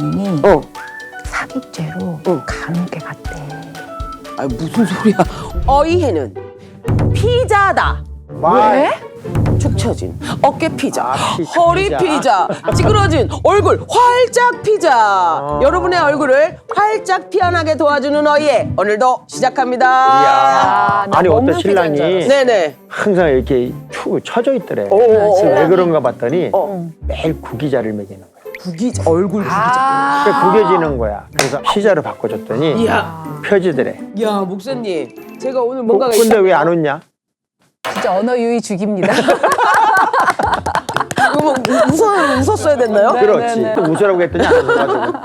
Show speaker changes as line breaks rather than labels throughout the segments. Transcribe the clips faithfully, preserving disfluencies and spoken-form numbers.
집사님이
어.
사기죄로
어.
감옥에 갔대.
아 무슨 소리야? 어이해는 피자다.
왜?
축 처진 어깨 피자,
아, 피-
허리
피자.
피자, 찌그러진 얼굴 활짝 피자.
어.
여러분의 얼굴을 활짝 피어나게 도와주는 어이해 오늘도 시작합니다.
이야.
아, 나
아니
먹는
어떤 신랑이
피자인 줄
네네.
항상 이렇게 축 처져 있더래.
오, 오,
그래서
오.
왜 그런가 봤더니
어.
매일 구기자를 먹이는 거야.
구기 얼굴 구기자.
아.
그러니까 구겨지는 거야. 그래서 피자로 바꿔줬더니
이야,
펴지더래.
야 목사님, 제가 오늘
어,
뭔가가
근데 왜 안 웃냐?
진짜 언어 유희 죽입니다.
뭐 웃어 웃었어야 됐나요?
네.
그렇지. 또 웃으라고 했더니 안 웃어가지고.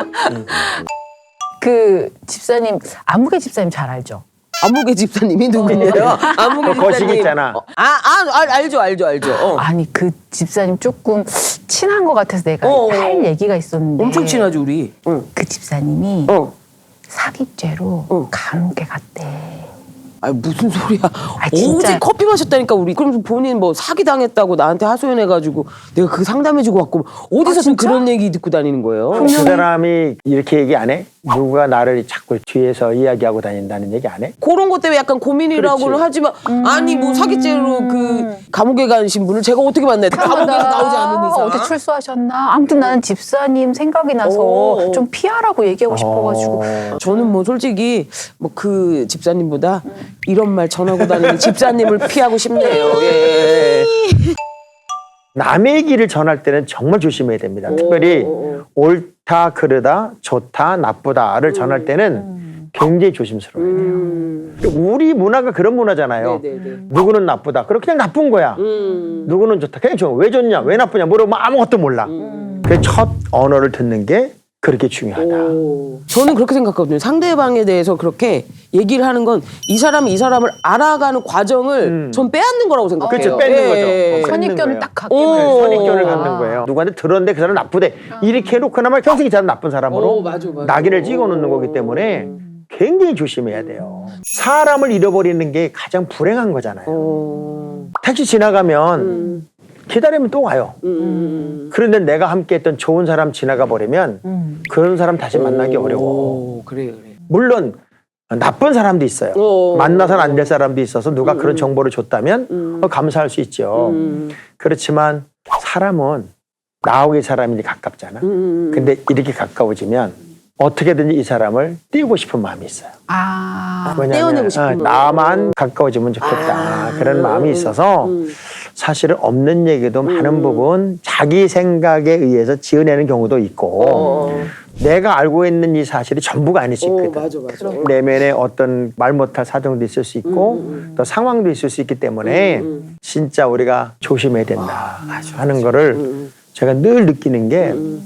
그 집사님, 아무개 집사님 잘 알죠?
아무개 집사님이 누구예요? 아무개
그 거식
집사님.
있잖아.
어, 아, 아, 알- 알죠, 알죠, 알죠. 어.
아니 그 집사님 조금 친한 것 같아서 내가
어, 어.
할 얘기가 있었는데
엄청 친하죠, 우리. 응.
그 집사님이
어.
사기죄로
어.
감옥에 갔대.
아니 무슨 소리야?
진짜.
어제 커피 마셨다니까 우리. 그럼 본인 뭐 사기 당했다고 나한테 하소연해가지고 내가 그 상담해주고 왔고 어디서 또
진짜?
그런 얘기 듣고 다니는 거예요?
그 사람이 이렇게 얘기 안 해? 누가 나를 자꾸 뒤에서 이야기하고 다닌다는 얘기 안 해?
그런 것 때문에 약간 고민이라고는
그렇지.
하지만 아니 뭐 사기죄로 그 감옥에 가신 분을 제가 어떻게 만나요? 감옥에서 나오지 않은 이상.
어디 출소하셨나? 아무튼 나는 집사님 생각이 나서
오.
좀 피하라고 얘기하고 싶어가지고.
어.
저는 뭐 솔직히 뭐 그 집사님보다 이런 말 전하고 다니는 집사님을 피하고 싶네요. 예.
남의 얘기를 전할 때는 정말 조심해야 됩니다. 특별히
오.
옳다, 그르다, 좋다, 나쁘다를 전할 때는 굉장히 조심스러워야 돼요.
음.
우리 문화가 그런 문화잖아요.
네네네.
누구는 나쁘다. 그럼 그냥 나쁜 거야.
음.
누구는 좋다. 그냥 좋아. 왜 좋냐? 왜 나쁘냐? 물어보면 아무것도 몰라.
음.
그 첫 언어를 듣는 게 그렇게 중요하다.
오. 저는 그렇게 생각하거든요. 상대방에 대해서 그렇게 얘기를 하는 건 이 사람이 이 사람을 알아가는 과정을
음.
전 빼앗는 거라고 생각해요.
그렇죠. 뺏는
예.
거죠. 어, 뺏는
선입견을
거예요.
딱 갖게
오.
되는
네,
거야.
선입견을
오.
갖는 거예요. 누구한테 들었는데 그 사람 나쁘대. 이렇게 해놓고나마 평생 이 사람 나쁜 사람으로
오, 맞아, 맞아.
낙인을 찍어놓는 거기 때문에 굉장히 조심해야 돼요. 사람을 잃어버리는 게 가장 불행한 거잖아요.
어.
택시 지나가면
음.
기다리면 또 와요.
음.
그런데 내가 함께했던 좋은 사람 지나가 버리면
음.
그런 사람 다시 만나기
오.
어려워.
그래 그래.
물론 나쁜 사람도 있어요.
오.
만나서는 안 될 사람도 있어서 누가
음.
그런 정보를 줬다면
음.
어, 감사할 수 있죠.
음.
그렇지만 사람은 나하고의 사람이 가깝잖아.
음.
근데 이렇게 가까워지면 어떻게든지 이 사람을 띄우고 싶은 마음이 있어요.
아.
왜냐하면
떼어내고 싶은
어,
마음.
나만 가까워지면 좋겠다.
아.
그런 마음이 있어서
음.
사실은 없는 얘기도 많은 부분 자기 생각에 의해서 지어내는 경우도 있고
어.
내가 알고 있는 이 사실이 전부가 아닐 수
오,
있거든.
맞아 맞아.
내면에 어떤 말 못할 사정도 있을 수 있고
음,
또 상황도 있을 수 있기 때문에
음.
진짜 우리가 조심해야 된다 하는 거를
음.
제가 늘 느끼는 게
음.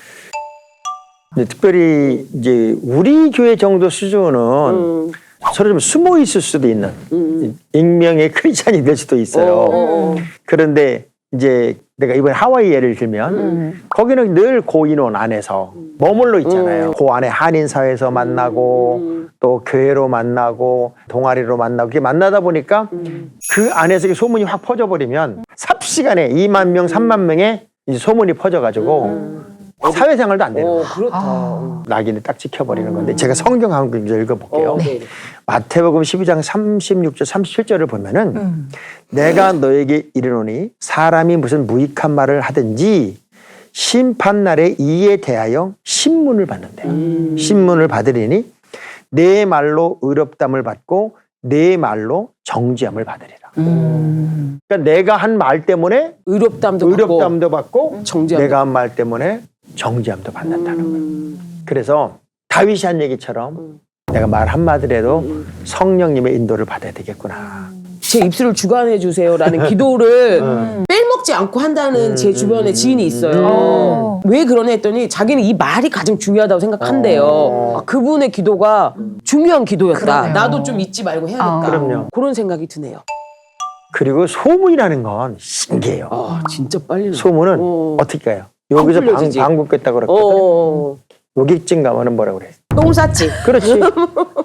이제 특별히 이제 우리 교회 정도 수준은
음.
서로 좀 숨어 있을 수도 있는
음.
익명의 크리스찬이 될 수도 있어요.
어.
그런데 이제 내가 이번에 하와이 예를 들면
음.
거기는 늘 고인원 안에서 머물러 있잖아요. 그 안에 한인사회에서 만나고
음.
또 교회로 만나고 동아리로 만나고 이렇게 만나다 보니까
음.
그 안에서 이렇게 소문이 확 퍼져버리면 삽시간에 이만 명, 삼만 명의 이제 소문이 퍼져가지고 사회생활도 안 되는
어,
거예요.
그렇다.
아.
낙인을 딱 찍혀버리는 건데 제가 성경 한 글 읽어볼게요.
어, 네.
마태복음 십이 장 삼십육 절 삼십칠 절을 보면은
음.
내가 너에게 이르노니 사람이 무슨 무익한 말을 하든지 심판날에 이에 대하여 신문을 받는다.
음.
신문을 받으리니 내 말로 의롭담을 받고 내 말로 정죄함을 받으리라.
음.
그러니까 내가 한 말 때문에
의롭담도
의롭담도 받고
정죄함도
내가 한 말 때문에 정죄함도 받는다는 거예요.
음.
그래서 다윗이 한 얘기처럼
음.
내가 말 한마디라도
음.
성령님의 인도를 받아야 되겠구나.
제 입술을 주관해 주세요라는 기도를
음.
빼먹지 않고 한다는
음,
제 주변에
음,
지인이
음,
있어요. 왜 그러냐 했더니 자기는 이 말이 가장 중요하다고 생각한대요.
어.
아, 그분의 기도가 중요한 기도였다.
그러네요.
나도 좀 잊지 말고 해야겠다.
아.
그럼요.
그런 생각이 드네요.
그리고 소문이라는 건 신기해요.
아 진짜 빨리 나.
소문은
어.
어떻게 해요? 여기서 방,
풀려지지.
방구 꼈다 그랬거든.
어.
여기쯤 가면은 뭐라 그래?
똥 쌌지.
그렇지.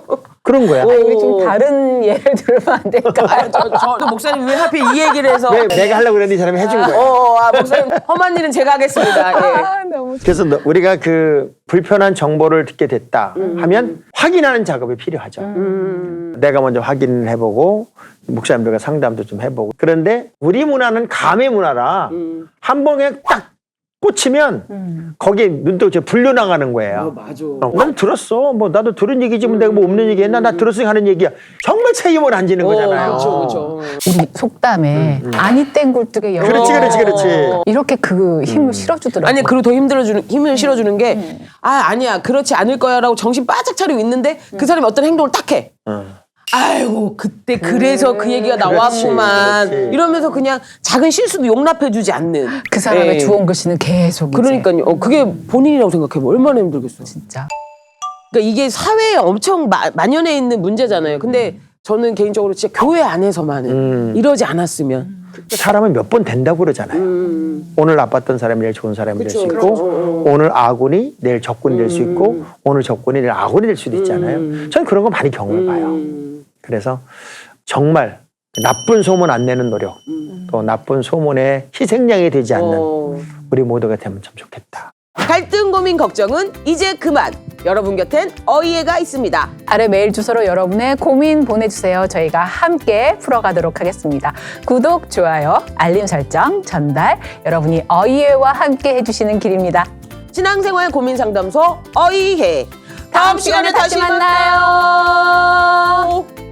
그런 거야.
오.
아니, 우리 좀 다른 예를 들면 안 될까?
아, 저, 저, 저 목사님 왜 하필 이 얘기를 해서
왜 내가 하려고 그랬는데 이 사람이 해준 거야.
어, 아, 목사님 험한 일은 제가 하겠습니다. 예.
아, 너무
그래서 너- 우리가 그 불편한 정보를 듣게 됐다 하면 확인하는 작업이 필요하죠.
음.
내가 먼저 확인을 해보고 목사님들과 상담도 좀 해보고. 그런데 우리 문화는 감의 문화라
음.
한 번에 딱 꽂히면
음.
거기에 눈도 이제 불려나가는 거예요.
맞아.
어, 난 들었어. 뭐 나도 들은 얘기지. 뭐 내가 뭐 없는 얘기 했나? 나 들었으니 하는 얘기야. 정말 책임을 안 지는 거잖아요.
그렇죠, 그렇죠.
우리 속담에 아니 땡 굴뚝에 영.
그렇지, 그렇지, 그렇지.
이렇게 그 힘을 실어주더라고요.
아니 그리고 더 힘들어주는 힘을 실어주는 게 아 아니야 그렇지 않을 거야라고 정신 바짝 차리고 있는데 그 사람이 어떤 행동을 딱 해.
어.
아이고 그때 그래서 그 얘기가 나왔구만
그렇지.
이러면서 그냥 작은 실수도 용납해주지 않는
그 사람의
예.
주원 글씨는 계속 이제
그러니까요. 어, 그게 본인이라고 생각해보면 얼마나 힘들겠어.
진짜.
그러니까 이게 사회에 엄청 마, 만연해 있는 문제잖아요. 근데 저는 개인적으로 진짜 교회 안에서만은
음.
이러지 않았으면.
사람은 몇 번 된다고 그러잖아요.
음.
오늘 나빴던 사람이 내일 좋은 사람이 될 수
그쵸,
있고
그쵸.
오늘 아군이 내일 적군이 될 수 있고 오늘 적군이 내일 아군이 될 수도 있잖아요.
음.
저는 그런 거 많이 경험을 봐요.
음.
그래서 정말 나쁜 소문 안 내는 노력 또 나쁜 소문에 희생양이 되지 않는
어.
우리 모두가 되면 참 좋겠다.
갈등 고민 걱정은 이제 그만. 여러분 곁엔 어이해가 있습니다.
아래 메일 주소로 여러분의 고민 보내주세요. 저희가 함께 풀어가도록 하겠습니다. 구독, 좋아요, 알림 설정, 전달 여러분이 어이해와 함께 해주시는 길입니다.
신앙생활 고민 상담소 어이해. 다음 시간에 다시
만나요.
만나요.